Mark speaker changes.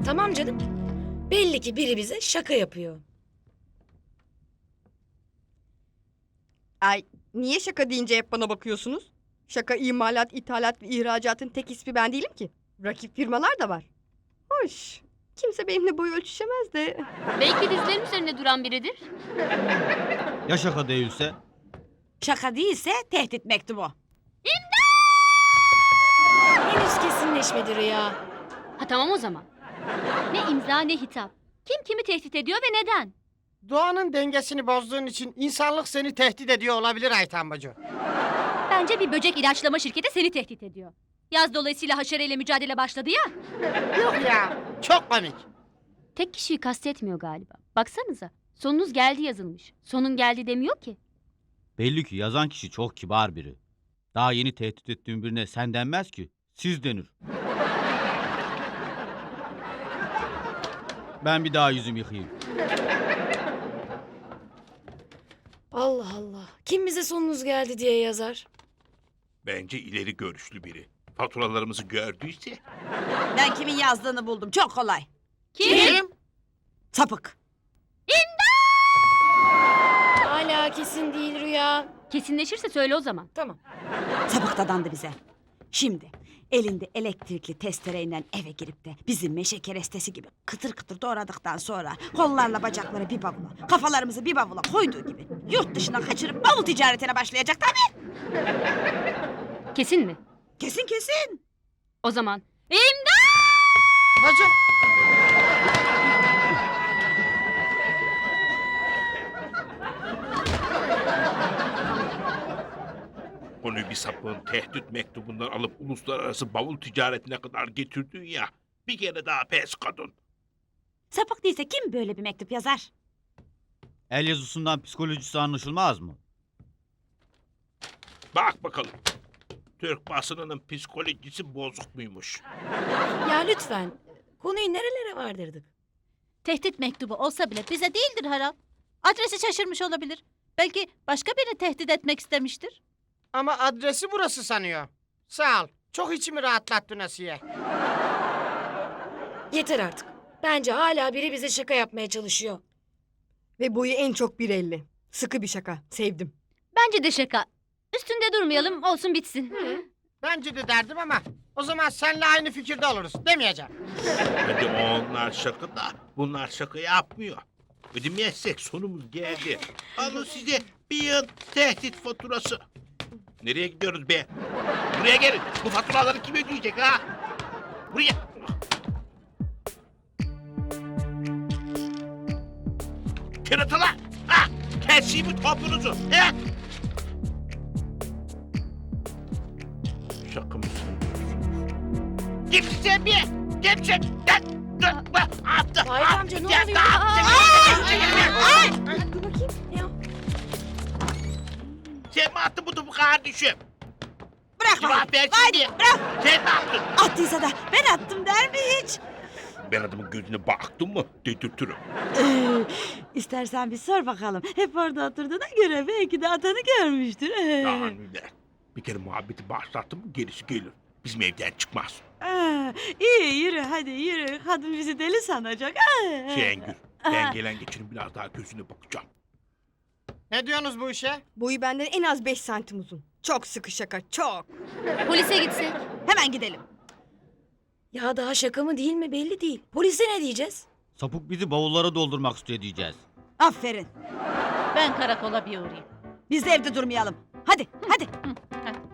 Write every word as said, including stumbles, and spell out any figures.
Speaker 1: Tamam canım. Belli ki biri bize şaka yapıyor.
Speaker 2: Ay, niye şaka deyince hep bana bakıyorsunuz? Şaka imalat, ithalat ve ihracatın tek ismi ben değilim ki. Rakip firmalar da var. Hoş. Kimse benimle boy ölçüşemez de.
Speaker 3: Belki dizlerin üzerinde duran biridir.
Speaker 4: Ya şaka değilse?
Speaker 5: Şaka değilse tehdit mektubu.
Speaker 1: Henüz kesinleşmedi Rüya.
Speaker 3: Ha tamam o zaman. Ne imza ne hitap. Kim kimi tehdit ediyor ve neden?
Speaker 6: Doğanın dengesini bozduğun için insanlık seni tehdit ediyor olabilir Ayten bacı.
Speaker 3: Bence bir böcek ilaçlama şirketi seni tehdit ediyor. Yaz dolayısıyla haşereyle mücadele başladı ya.
Speaker 6: Yok ya, çok komik.
Speaker 3: Tek kişiyi kastetmiyor galiba. Baksanıza. Sonunuz geldi yazılmış. Sonun geldi demiyor ki.
Speaker 4: Belli ki yazan kişi çok kibar biri. Daha yeni tehdit ettiğin birine sen denmez ki. Siz denir. Ben bir daha yüzümü yıkayayım.
Speaker 1: Allah Allah. Kim bize sonunuz geldi diye yazar?
Speaker 7: Bence ileri görüşlü biri. Faturalarımızı gördüyse.
Speaker 5: Ben kimin yazdığını buldum. Çok kolay.
Speaker 6: Kim?
Speaker 5: Sapık.
Speaker 1: Hala kesin değil Rüya.
Speaker 3: Kesinleşirse söyle o zaman.
Speaker 1: Tamam.
Speaker 5: Sapık dadandı bize. Şimdi elinde elektrikli testereyle eve girip de bizim meşe kerestesi gibi kıtır kıtır doğradıktan sonra kollarla bacakları bir bavula, kafalarımızı bir bavula koyduğu gibi yurt dışına kaçırıp bavul ticaretine başlayacak tabii.
Speaker 3: Kesin mi?
Speaker 5: Kesin kesin.
Speaker 3: O zaman. İmdat!
Speaker 6: Bacım.
Speaker 7: Onu bir sapığın tehdit mektubundan alıp uluslararası bavul ticaretine kadar getirdin ya. Bir kere daha pes kadın.
Speaker 5: Sapık değilse kim böyle bir mektup yazar?
Speaker 4: El yazısından psikolojisi anlaşılmaz mı?
Speaker 7: Bak bakalım. Türk basınının psikolojisi bozuk muymuş?
Speaker 1: Ya lütfen. Konuyu nerelere vardırdık?
Speaker 8: Tehdit mektubu olsa bile bize değildir Harap. Adresi şaşırmış olabilir. Belki başka birini tehdit etmek istemiştir.
Speaker 6: Ama adresi burası sanıyor. Sağ ol. Çok içimi rahatlattın Asiye.
Speaker 1: Yeter artık. Bence hala biri bize şaka yapmaya çalışıyor.
Speaker 2: Ve boyu en çok bir elli. Sıkı bir şaka. Sevdim.
Speaker 3: Bence de şaka. Üstünde durmayalım olsun bitsin.
Speaker 6: Bence de derdim ama o zaman seninle aynı fikirde oluruz. Demeyeceğim.
Speaker 7: Hadi onlar şaka da bunlar şaka yapmıyor. Ödemezsek sonumuz geldi. Alın size bir yıl tehdit faturası. Nereye gidiyoruz be? Buraya gelin. Bu faturaları kim ödeyecek ha? Buraya. Keratalar. Ha! Keseyim mi topunuzu? He? Şaka mısın? Kimsin sen be? Kimsin? Gel. Dur. Bak. Attı.
Speaker 1: Vahit amca, ne oluyor?
Speaker 2: Dur bakayım. Ne o?
Speaker 7: Sen mi attın bu topu kardeşim?
Speaker 5: Bırak
Speaker 7: Cevap
Speaker 5: Vahit.
Speaker 7: ver
Speaker 5: Vahit
Speaker 7: şimdi.
Speaker 5: bırak.
Speaker 7: Sen mi attın?
Speaker 5: Attıysa da ben attım der mi hiç?
Speaker 7: Ben adamın gözüne baktım mı dedirtirim.
Speaker 5: Ee, istersen bir sor bakalım. Hep orada oturduğuna göre belki de atanı görmüştür. Ee.
Speaker 7: Yani bir kere muhabbeti başlattım mı gerisi gelir. Bizim evden çıkmaz.
Speaker 5: Aa, iyi yürü hadi yürü. Kadın bizi deli sanacak. Aa.
Speaker 7: Şengül, ben gelen geçinin biraz daha gözüne bakacağım.
Speaker 6: Ne diyorsunuz bu işe?
Speaker 2: Boyu benden en az beş santim uzun. Çok sıkı şaka. Çok.
Speaker 3: Polise gitsek.
Speaker 5: Hemen gidelim.
Speaker 1: Ya daha şaka mı değil mi belli değil. Polise ne diyeceğiz?
Speaker 4: Sapık bizi bavullara doldurmak istiyor diyeceğiz.
Speaker 5: Aferin.
Speaker 8: Ben karakola bir uğrayayım.
Speaker 5: Biz de evde durmayalım. Hadi hadi.
Speaker 8: Hadi.